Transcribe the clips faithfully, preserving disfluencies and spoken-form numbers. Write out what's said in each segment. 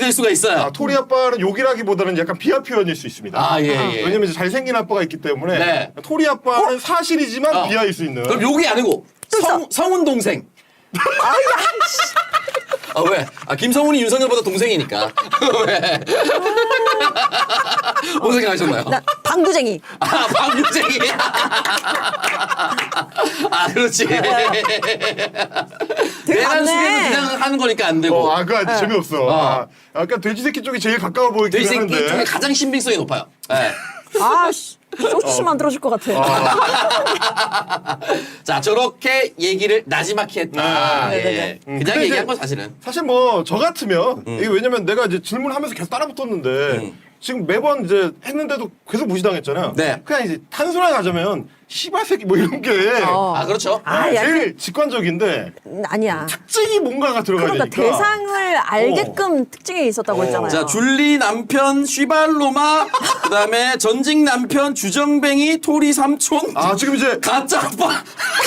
될 수가 있어요. 아, 토리 아빠는 욕이라기보다는 약간 비하 표현일 수 있습니다. 아, 예, 예. 왜냐면 이제 잘생긴 아빠가 있기 때문에 네. 토리 아빠는 사실이지만 어. 비하일 수 있는. 그럼 욕이 아니고 성, 성훈 동생. 아, 왜? 아, 김성훈이 윤석열보다 동생이니까. 왜? 뭔 생각하셨나요? 나 방구쟁이. 아, 방구쟁이. 아, 그렇지. 되게 내란 많네. 수계는 그냥 하는 거니까 안 되고. 어, 아, 그 재미없어. 어. 아, 약간 돼지 새끼 쪽이 제일 가까워 보이긴 돼지새끼 하는데. 중에 가장 신빙성이 높아요. 네. 아, 씨. 소주씨 만들어줄 것 같아. 자, 저렇게 얘기를 나지막히 했다. 네, 예. 네, 네, 음, 그냥 근데 얘기한 이제 건 사실은. 사실 뭐 저 같으면 이게 왜냐면 내가 이제 질문하면서 계속 따라붙었는데 음. 지금 매번 이제 했는데도 계속 무시당했잖아요. 네. 그냥 이제 단순하게 가자면 씨발 새끼 뭐 이런 게 어. 아, 그렇죠. 아, 야, 제일 직관적인데 음, 아니야. 특징이 뭔가가 들어가야 그러니까 되니까. 대상을 알게끔 특징이 있었다고 어. 했잖아요. 자, 줄리 남편 쉬발로마, 그 다음에 전직 남편 주정뱅이 토리 삼촌, 아 지금 이제 가짜 아빠.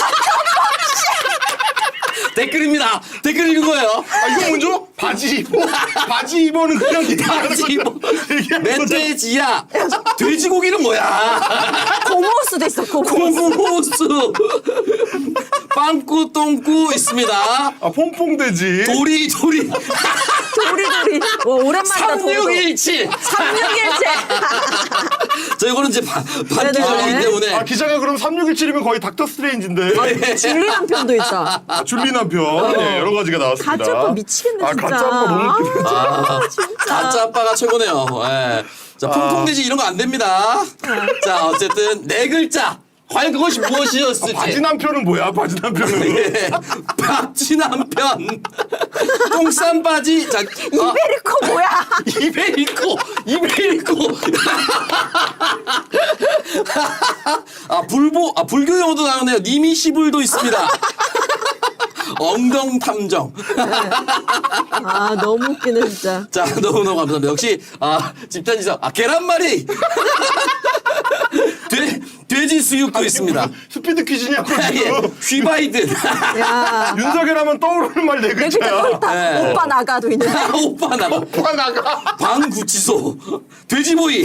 댓글입니다. 댓글 읽은 거예요. 아 이거 먼저 바지 입어 바지 입어는 그냥 바지 입어. 얘기하는 거죠. 멧돼지야. 돼지고기는 뭐야? 고모수도 있어. 고모수. 고무호수. 빵꾸 똥꾸 있습니다. 아 퐁퐁돼지. 도리 도리. 도리도리. 와, 오랜만이다. 삼육일칠. 삼육일째. 저 이거는 이제 바, 반기절이기 네네. 때문에. 아 기자가 그럼 삼육일칠이면 거의 닥터 스트레인지인데. 줄리 남편도 있다. 아, 줄리 남편 네, 여러 가지가 나왔습니다. 가짜 아빠 미치겠네, 아 진짜. 가짜 아빠 너무 웃기네. 아, 진짜. 가짜 아빠가 최고네요. 예. 자, 퐁퐁돼지 이런 거 안 됩니다. 자, 어쨌든 네 글자. 과연 그것이 무엇이었을지. 바지 남편은 뭐야? 바지 남편은. 예. 바지 남편. 똥싼 바지. 자, 아, 이베리코 뭐야? 이베리코. 이베리코. 아, 불보, 아, 불교 용어도 나오네요. 니미시불도 있습니다. 엉덩탐정. 아, 너무 웃기네, 진짜. 자, 너무너무 감사합니다. 역시, 아, 집단지성. 아, 계란말이. 돼, 돼지 수육도 있습니다. 스피드 퀴즈냐고 예, 지금. 휘바이든. 야. 윤석열 하면 떠오르는 말 네 내 글자 또 글자야. 있다. 네. 오빠 나가도 있네. 아, 오빠 나가. 오빠 나가. 방구치소. 돼지보이.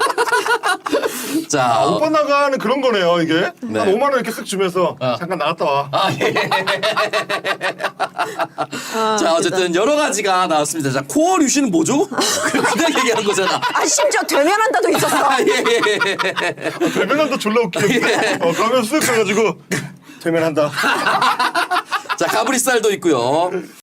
자, 어, 오빠 나가는 그런 거네요 이게. 네. 한 오만 원 이렇게 쓱 주면서 어. 잠깐 나갔다 와. 아, 예. 아, 자, 어쨌든 여러 가지가 나왔습니다. 자, 코어 류씨는 뭐죠? 그냥 얘기하는 거잖아. 아, 심지어 되면한다도 있었어. 아, 예, 예, 예. 대면한다 졸라 웃기네. 어, 가면 쓱 해가지고 대면한다. 자, 가브리살도 있고요.